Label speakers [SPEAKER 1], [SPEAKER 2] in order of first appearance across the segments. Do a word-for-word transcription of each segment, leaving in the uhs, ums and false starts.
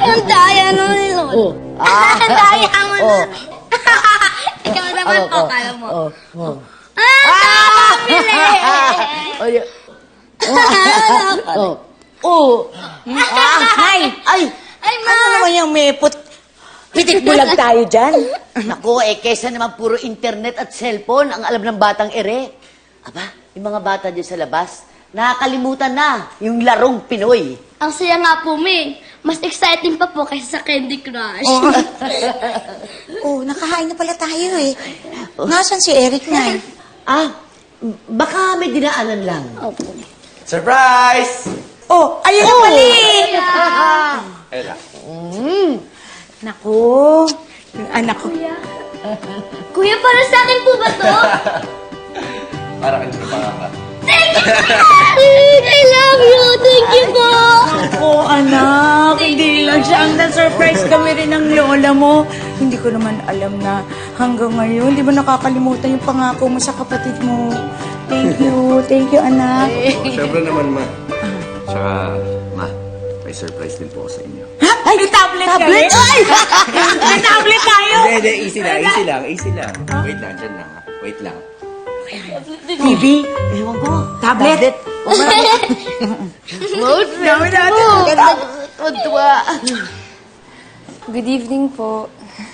[SPEAKER 1] Ang daya nun ni Lolo.
[SPEAKER 2] Oh. Ah.
[SPEAKER 1] Ang daya mo
[SPEAKER 2] Oh.
[SPEAKER 1] nun. Ikaw naman
[SPEAKER 2] Ako,
[SPEAKER 1] po,
[SPEAKER 2] oh.
[SPEAKER 1] kaya mo.
[SPEAKER 2] Oh. Oh.
[SPEAKER 1] Ah! Nakakabili!
[SPEAKER 2] Ay. Oh. Oh. Ah, ay, ay.
[SPEAKER 1] Ay, ma!
[SPEAKER 3] Ano naman yung may put... Pitik bulag tayo dyan?
[SPEAKER 2] Naku, eh, kesa naman puro internet at cellphone ang alam ng batang ere. Aba, yung mga bata dyan sa labas, nakakalimutan na yung larong Pinoy.
[SPEAKER 1] Ang saya nga po, May. Mas exciting pa po kaysa sa Candy Crush.
[SPEAKER 3] Oh, nakahain na pala tayo eh. Nasaan si Eric na?
[SPEAKER 2] Ah, baka may dinaanan lang.
[SPEAKER 1] Opo.
[SPEAKER 4] Surprise!
[SPEAKER 3] Oh, ayun na pala eh.
[SPEAKER 4] Ayun lang.
[SPEAKER 3] Naku, yung anak ko.
[SPEAKER 1] Kuya, para sa akin po ba to?
[SPEAKER 4] Para kayo pangaka.
[SPEAKER 1] I love you! Thank you po!
[SPEAKER 3] Oh, anak, hindi lang siya ang na-surprise kami rin ng lola mo. Hindi ko naman alam na hanggang ngayon, di ba nakakalimutan yung pangako mo sa kapatid mo. Thank you, thank you, anak.
[SPEAKER 4] Oh, Siyempre naman, ma. Tsaka, ma, may surprise din po ako sa inyo.
[SPEAKER 3] Ha? Ay, may tablet, tablet? kami? Ay! May tablet tayo!
[SPEAKER 4] Hindi, hindi, easy lang, easy lang, easy lang. Wait lang, dyan lang. ha. Wait lang.
[SPEAKER 3] T V?
[SPEAKER 2] Ewan ko.
[SPEAKER 3] Tablet?
[SPEAKER 2] Smooth.
[SPEAKER 3] Dami natin.
[SPEAKER 2] Ganda. Tuwa.
[SPEAKER 5] Good evening po.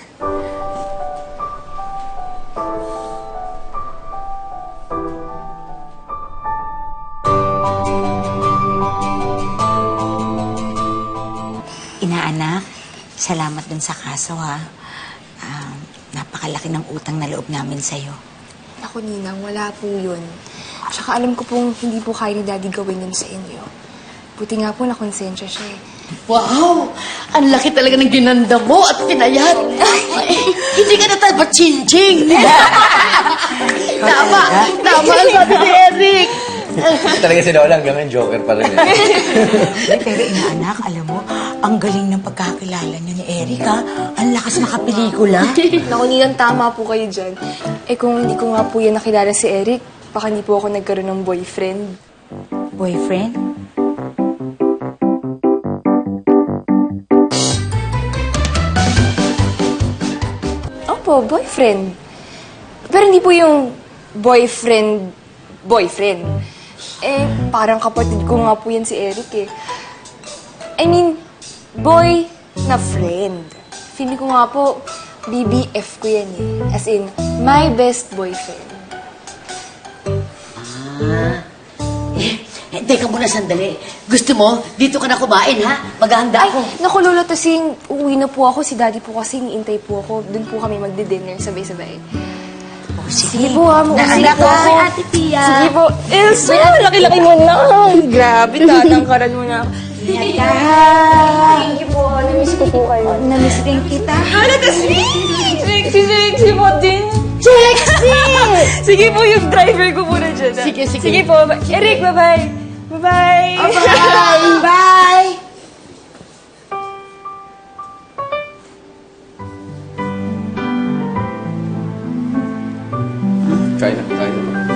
[SPEAKER 3] Inaanak, salamat dun sa kaso ha. Ah, napakalaki ng utang na loob namin sa'yo.
[SPEAKER 5] Ako, Ninang, wala po yun. Tsaka alam ko pong hindi po kaya ni Daddy gawin yun sa inyo. Buti nga po nakonsensya siya eh.
[SPEAKER 2] Wow! Ang laki talaga ng ginanda mo at pinayat. Hindi ka na tayo pa-ching-ching. Tama. Tama ang sabi ni Eric.
[SPEAKER 4] Talaga si Lola, hanggang ngayon joker pa rin. Eh.
[SPEAKER 3] Pero inaanak, alam mo, ang galing ng pagkakilala niya ni Eric ha. Ang lakas makapelikula.
[SPEAKER 5] Naku, Ninang, tama po kayo dyan. Eh kung hindi ko nga po yan nakilala si Eric, baka hindi po ako nagkaroon ng boyfriend.
[SPEAKER 3] Boyfriend?
[SPEAKER 5] Opo, boyfriend. Pero hindi po yung boyfriend, boyfriend. Eh, parang kapatid ko nga po yan si Eric eh. I mean, boy na friend. Feeling ko nga po, B B F ko yan eh. As in, my best boyfriend.
[SPEAKER 2] Ah. Eh, eh, teka muna sandali. Gusto mo, dito ka na kumain, ha? Maghahanda
[SPEAKER 5] Ay,
[SPEAKER 2] ako.
[SPEAKER 5] naku, Lolo, tasing uuwi na po ako. Si Daddy po kasi niintay po ako. Doon po kami magdi-dinner sabay-sabay.
[SPEAKER 3] Oh,
[SPEAKER 5] Sige po ha, mausili
[SPEAKER 3] Naanak
[SPEAKER 5] po
[SPEAKER 3] ha.
[SPEAKER 5] ako.
[SPEAKER 1] Ay, Ate Pia.
[SPEAKER 5] Sige po. Elsa, laki-laki mo na. Grabe, tatangkaran mo na.
[SPEAKER 3] Ingat ka ha.
[SPEAKER 5] Thank you po. Namiss ko po kayo.
[SPEAKER 3] Namiss din kita.
[SPEAKER 5] Hala, tasing! Sexy, sexy mo din.
[SPEAKER 3] Sexy!
[SPEAKER 5] Sige po, yung driver ko muna dyan. ah.
[SPEAKER 2] Sige, sige.
[SPEAKER 5] Sige po. ba- Eric, bye-bye. Bye-bye.
[SPEAKER 3] Bye! Bye!
[SPEAKER 4] Kain na, kain na.